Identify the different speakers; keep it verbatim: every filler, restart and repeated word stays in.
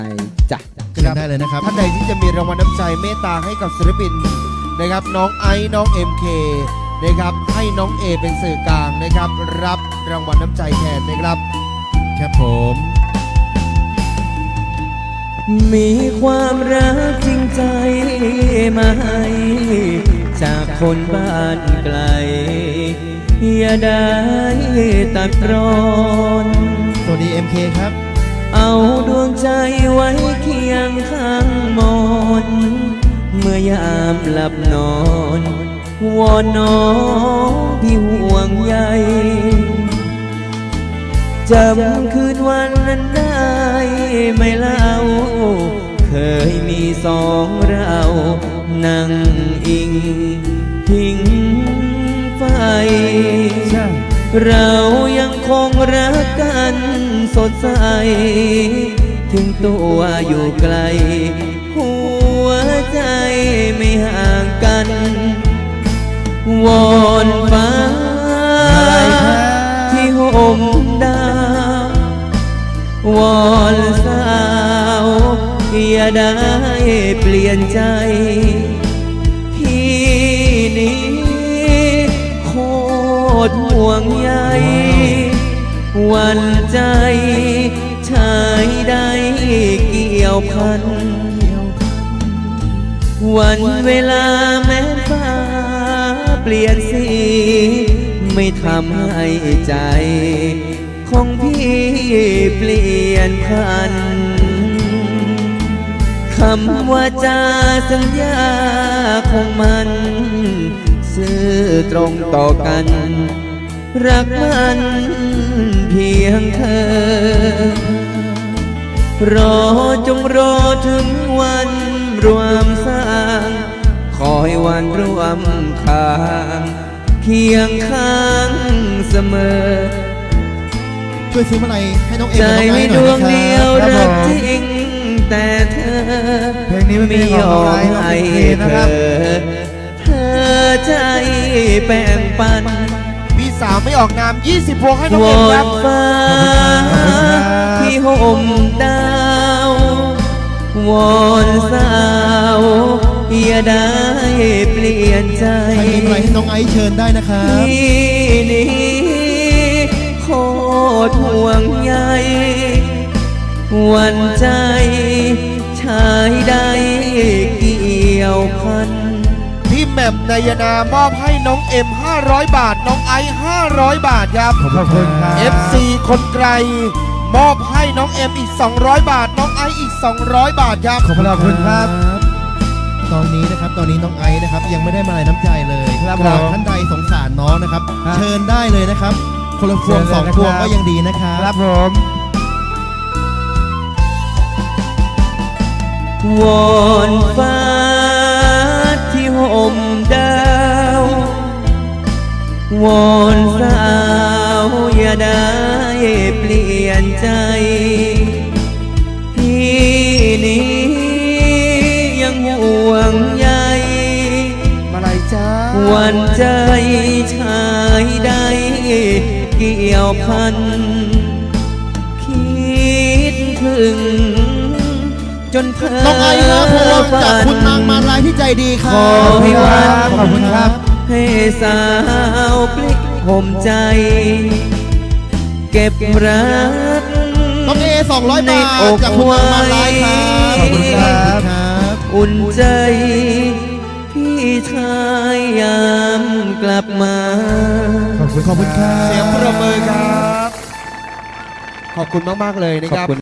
Speaker 1: จ้ะ
Speaker 2: เชิญได้เลยนะครับท่านใดที่จะมีรางวัลน้ำใจเมตตาให้กับศิลปินนะครับน้องไอซ์น้อง เอ็ม เค นะครับให้น้องเอเป็นสื่อกลางนะครับรับรางวัลน้ำใจแทนนะครับครับผม
Speaker 3: มีความรักจริงใจมาให้จากคนบ้านไกลอย่าได้ตัดรอน
Speaker 2: สวัสดี เอ็ม เค ครับ
Speaker 3: เอาดวงใจไว้เคียงข้างมอนเมื่อยามหลับนอนวอนน้องที่ห่วงใยจำคืนวันนั้นได้ไม่เล่าเคยมีสองเรานั่งอิงพิงไฟเรายังคงรักกันสดใสถึงตัวอยู่ไกลหัวใจไม่ห่างกันวอนฟ้าที่ห่มดาววอนสาวอย่าได้เปลี่ยนใจพี่นี้โคตรห่วงใยหวั่นใจชายใดเกี่ยวพันวันเวลาแม้ฟ้าเปลี่ยนสีไม่ทำให้ใจของพี่เปลี่ยนพันคำว่าจาสัญญาของมันซื่อตรงต่อกันรักมันเพียงเธอรอจงรอถึงวันรวมสร้างขอให้วันรวมทางเคียงข้างเสมอ
Speaker 2: ช่วยซื้อมาอะไรให้น้องเอ็ม
Speaker 3: ใจ
Speaker 2: กับน้องไอซ์ห
Speaker 3: ด
Speaker 2: น่อ
Speaker 3: วย ง
Speaker 2: นะ
Speaker 3: เดียวรักจริงแต่เธอเพลงนี้ไม่ยอมให้เธอเธอใจแบ่งปัน
Speaker 2: พี่สาวไม่ออกนามยี่สิบพวงให้น้องเอ็มครับ
Speaker 3: ฟ้าที่ห่มดาววอนสาวอย่าได้เปลี่ยนใจ
Speaker 2: ใครมีอะไรให้น้องไอซ์เชิญได้นะครับ
Speaker 3: ที่นี้โคตรห่วงใยหวั่นใจชายใดเกี่ยวพัน
Speaker 2: พี่แหม่มนายนามอบให้น้องเอ็มห้าร้อยบาทน้องไอซ์ห้าร้อยบาทครับ
Speaker 1: ขอบคุณครับ
Speaker 2: เอฟ ซี คนไกลมอบให้น้องเอ็มอีกสองร้อยบาทน้องไอซ์อีกสองร้อยบาทครับ
Speaker 1: ขอบคุณครับ
Speaker 2: ตอนนี้นะครับตอนนี้น้องไอซ์นะครับยังไม่ได้มาลัยน้ำใจเลยครับท่านใดสงสารน้องนะครับเชิญได้เลยนะครับคนละพวงสองพวงก็ยังดีนะครับ
Speaker 1: ครับผม
Speaker 3: วอนฟ้าที่ห่มดาววอนสาวอย่าได้เปลี่ยนใจพี่นี้ยังห่วงใย
Speaker 2: มาลัยจ้า
Speaker 3: หวั่นใจชายใดเกี่ยวพันคิดถึงจนเพ้อ
Speaker 2: น้องไอซ์ครับพวงจากคุณนางมาลายที่ใจดีครับ
Speaker 3: ขอให้วัน
Speaker 1: ขอบคุณครับ
Speaker 3: ให้สาวปลิกห่มใจเก็บรัก
Speaker 2: น้องเอสองร้อยบาทจากคุณนางมาลายครับขอบคุณครับ
Speaker 3: อุ่นใจพี่ชายยามกลับมา
Speaker 2: ขอบคุณขอบคุณครับเสียงประเมินครับขอบคุณมากๆเลยนะครับ